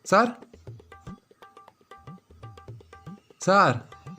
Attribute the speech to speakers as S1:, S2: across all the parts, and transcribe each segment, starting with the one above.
S1: Sir sir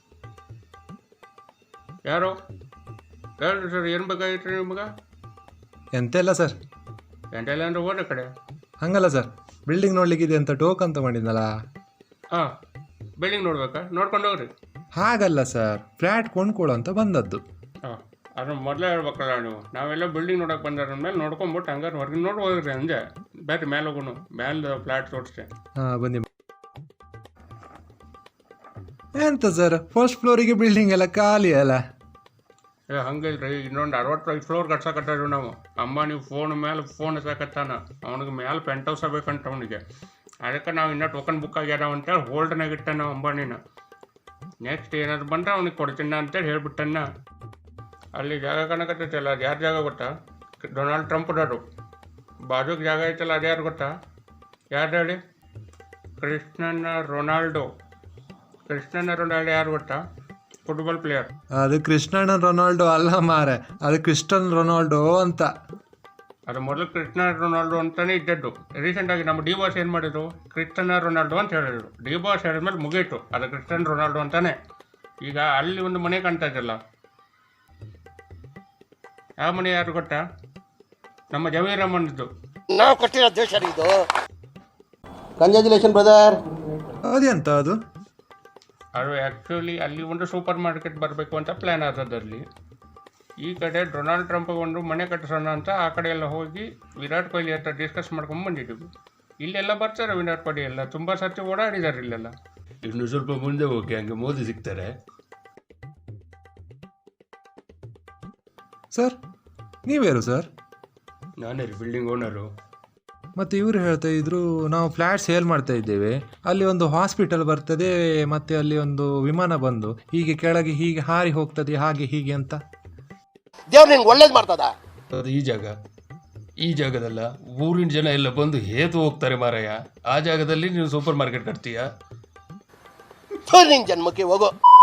S2: ಯಾರು ಹೇಳ್ರಿ sir, ಏನು ಬೇಕಾಗಿತ್ತು ನಿಮ್ಗೆ?
S1: ಎಂತೆಲ್ಲ ಸರ್.
S2: ಎಂಟೆಲ್ಲ ಅಂದ್ರೆ ಹೋದ ಕಡೆ.
S1: ಹಂಗಲ್ಲ ಸರ್, ಬಿಲ್ಡಿಂಗ್ ನೋಡ್ಲಿಕ್ಕಿದೆ ಅಂತ ಟೋಕನ್ ತಗೊಂಡಿದ್ನಲ್ಲ.
S2: ಹಾಂ, ಬಿಲ್ಡಿಂಗ್ ನೋಡ್ಬೇಕಾ? ನೋಡ್ಕೊಂಡು ಹೋಗ್ರಿ.
S1: ಹಾಗಲ್ಲ ಸರ್, ಫ್ಲ್ಯಾಟ್ ಕೊಂಡ್ಕೊಳ್ಳೋ ಅಂತ ಬಂದದ್ದು.
S2: ಹಾಂ, ಅದನ್ನ ಮೊದಲೇ ಹೇಳ್ಬೇಕಲ್ಲ ನೀವು. ನಾವೆಲ್ಲ ಬಿಲ್ಡಿಂಗ್ ನೋಡೋಕೆ ಬಂದಾರ ಮೇಲೆ ನೋಡ್ಕೊಂಬಿಟ್ಟು ಹಂಗಾರೆ ಹೊರಗೆ ನೋಡಿ ಹೋಗ್ರಿ ಅಂದೆ. ಬೇರೆ ಮೇಲೆ ಹೋಗೋಣ, ಮೇಲೆ ಫ್ಲ್ಯಾಟ್ ತೋರಿಸ್ತೆ.
S1: ಹಾಂ ಬನ್ನಿ. ಎಂತ ಸರ್, ಫಸ್ಟ್ ಫ್ಲೋರಿಗೆ ಬಿಲ್ಡಿಂಗ್ ಎಲ್ಲ ಖಾಲಿ ಅಲ್ಲ?
S2: ಹಂಗಿಲ್ರಿ, ಇನ್ನೊಂದು 65 ಫ್ಲೋರ್ ಕಟ್ಸಕತ್ತಾರ ನಾವು. ಅಂಬಾನಿ ಫೋನ್ ಮೇಲೆ ಫೋನ್ ಹಚ್ಚಾಕತ್ತಾನ. ಅವನಿಗೆ ಮೇಲೆ ಪೆಂಟ್ ಹೌಸ್ ಬೇಕಂತ ಅವನಿಗೆ. ಅದಕ್ಕೆ ನಾವು ಇನ್ನೂ ಟೋಕನ್ ಬುಕ್ ಆಗ್ಯಾರ ಅಂತೇಳಿ ಹೋಲ್ಡ್ನಾಗ ಇಟ್ಟಾನ ನಾವು ಅಂಬಾನಿನ. ನೆಕ್ಸ್ಟ್ ಏನಾದ್ರು ಬಂದ್ರೆ ಅವ್ನಿಗೆ ಕೊಡ್ತೀನ ಅಂತೇಳಿ ಹೇಳ್ಬಿಟ್ಟನ್ನ. ಅಲ್ಲಿ ಜಾಗ ಕಾಣಕತ್ತೈತಲ್ಲ, ಅದು ಯಾರು ಜಾಗ ಗೊತ್ತಾ? ಡೊನಾಲ್ಡ್ ಟ್ರಂಪ್ದವರು. ಬಾಜುಗೆ ಜಾಗ ಐತಲ್ಲ, ಅದು ಯಾರು ಗೊತ್ತಾ? ಯಾರು ಹೇಳಿ? ಕ್ರಿಸ್ಟಿಯಾನೋ ರೊನಾಲ್ಡೋ ಯಾರು ಗೊತ್ತಾ? Football player.
S1: ಅದು ಕ್ರಿಸ್ಟಿಯಾನೋ ರೊನಾಲ್ಡೋ ಅಲ್ಲ ಮಾರೆ, ಅದು ಕ್ರಿಸ್ಟಿಯನ್ ರೊನಾಲ್ಡೋ ಅಂತ.
S2: ಅದು ಮೊದಲು ಕ್ರಿಸ್ಟಿಯಾನೋ ರೊನಾಲ್ಡೋ ಅಂತಲೇ ಇದ್ದದ್ದು. ರೀಸೆಂಟಾಗಿ ನಮ್ಮ ಡಿ ಬಾಸ್ ಏನು ಮಾಡಿದ್ರು? ಕ್ರಿಸ್ಟಿಯಾನೋ ರೊನಾಲ್ಡೋ ಅಂತ ಹೇಳಿದ್ರು. ಡಿ ಬಾಸ್ ಹೇಳಿದ್ಮೇಲೆ ಮುಗೀತು, ಅದು ಕ್ರಿಸ್ಟಿಯಾನೋ ರೊನಾಲ್ಡೋ ಅಂತಾನೆ. ಈಗ ಅಲ್ಲಿ ಒಂದು ಮನೆ ಕಾಣ್ತಾ ಇದೆಯಲ್ಲ, ಆ ಮನೆ ಯಾರು ಗೊತ್ತಾ? ನಮ್ಮ ಜಮೀರಮ್ಮನಿದ್ದು.
S3: ನಾವು ಕಟ್ಟಿರೋ ದೇಶ ಇದು. Congratulation brother.
S1: ಅದೆಂತ ಅದು?
S2: ಅದು ಆ್ಯಕ್ಚುಲಿ ಅಲ್ಲಿ ಒಂದು ಸೂಪರ್ ಮಾರ್ಕೆಟ್ ಬರಬೇಕು ಅಂತ ಪ್ಲ್ಯಾನ್ ಆದದಲ್ಲಿ. ಈ ಕಡೆ ಡೊನಾಲ್ಡ್ ಟ್ರಂಪ್ ಒಂದು ಮನೆ ಕಟ್ಟಿಸೋಣ ಅಂತ ಆ ಕಡೆ ಎಲ್ಲ ಹೋಗಿ ವಿರಾಟ್ ಕೊಹ್ಲಿ ಹತ್ರ ಡಿಸ್ಕಸ್ ಮಾಡ್ಕೊಂಡು ಬಂದಿದ್ದೀವಿ. ಇಲ್ಲೆಲ್ಲ ಬರ್ತಾರೆ ವಿರಾಟ್ ಕೊಹ್ಲಿ ಎಲ್ಲ, ತುಂಬ ಸರ್ತಿ ಓಡಾಡಿದ್ದಾರೆ ಇಲ್ಲೆಲ್ಲ.
S4: ಇನ್ನು ಸ್ವಲ್ಪ ಮುಂದೆ ಹೋಗಿ, ಹಂಗೆ ಮೋದಿ ಸಿಗ್ತಾರೆ.
S1: ಸರ್ ನೀವ್ಯಾರು ಸರ್?
S2: ನಾನೇ ರೀ, ಬಿಲ್ಡಿಂಗ್ ಓನರು.
S1: ಮತ್ತು ಇವರು ಹೇಳ್ತಾ ಇದ್ರು, ನಾವು ಫ್ಲ್ಯಾಟ್ ಸೇಲ್ ಮಾಡ್ತಾ ಇದ್ದೇವೆ, ಅಲ್ಲಿ ಒಂದು ಹಾಸ್ಪಿಟಲ್ ಬರ್ತದೆ, ಮತ್ತು ಅಲ್ಲಿ ಒಂದು ವಿಮಾನ ಬಂದು ಹೀಗೆ ಕೆಳಗೆ ಹೀಗೆ ಹಾರಿ ಹೋಗ್ತದೆ, ಹಾಗೆ ಹೀಗೆ ಅಂತ.
S3: ದೇವ್ರು ನಿನ್ಗೆ ಒಳ್ಳೇದು ಮಾಡ್ತದ.
S4: ಅದು ಈ ಜಾಗದಲ್ಲ, ಊರಿನ ಜನ ಎಲ್ಲ ಬಂದು ಹೇತು ಹೋಗ್ತಾರೆ ಮಾರಾಯ. ಆ ಜಾಗದಲ್ಲಿ ನೀನು ಸೂಪರ್ ಮಾರ್ಕೆಟ್ ಕಟ್ತೀಯಾ?
S3: ನಿನ್ ಜನ್ಮಕ್ಕೆ ಹೋಗೋ.